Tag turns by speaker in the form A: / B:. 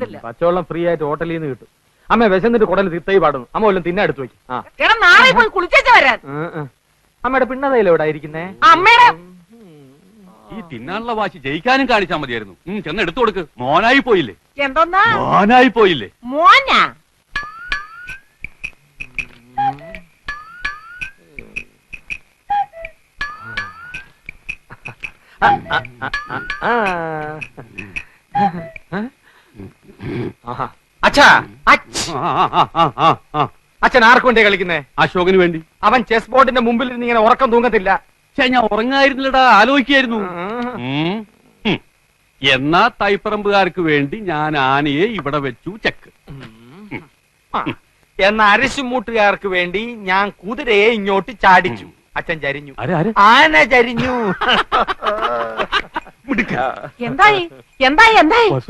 A: പറ്റത്തില്ല.
B: പച്ചവെള്ളം ഫ്രീ ആയിട്ട് ഹോട്ടലിൽ നിന്ന് കിട്ടും. അമ്മ വിശന്നിട്ട് കുടൽ തിത്തൈ പാടുന്നു. അമ്മ വല്ലതും തിന്നെ എടുത്തു വയ്ക്കും.
A: എടാ നാളെ പോയി കുളിച്ചേച്ച് വരാൻ.
B: അമ്മയുടെ പിണ്ണതയില എവിടെ ഇരിക്കുന്നേ?
A: അമ്മയുടെ
C: ഈ തിന്നാനുള്ള വാശി ജയിക്കാനും കാണിച്ചാൽ മതിയായിരുന്നു. ചെന്ന് എടുത്തു കൊടുക്ക്. മോനായി പോയില്ലേ?
A: എന്തോന്നാ
C: മോനായി പോയില്ലേ?
A: മോനാ?
B: അച്ഛാ, അച്ഛൻ ആർക്ക് വേണ്ടി കളിക്കുന്നേ?
C: അശോകന് വേണ്ടി.
B: അവൻ ചെസ് ബോർഡിന്റെ മുമ്പിൽ ഇരുന്ന് ഇങ്ങനെ ഉറക്കം തൂങ്ങത്തില്ല.
C: ഞാൻ ഉറങ്ങായിരുന്നില്ലടാ, ആലോചിക്കായിരുന്നു. എന്നാ തൈപ്പറമ്പുകാർക്ക് വേണ്ടി ഞാൻ ആനയെ ഇവിടെ വെച്ചു ചെക്ക്.
B: എന്ന അരിശുമൂട്ടുകാർക്ക് വേണ്ടി ഞാൻ കുതിരയെ ഇങ്ങോട്ട് ചാടിച്ചു. അച്ഛൻ ചരിഞ്ഞു. ആന ചരിഞ്ഞു.
A: എന്തായി എന്തായി എന്തായി?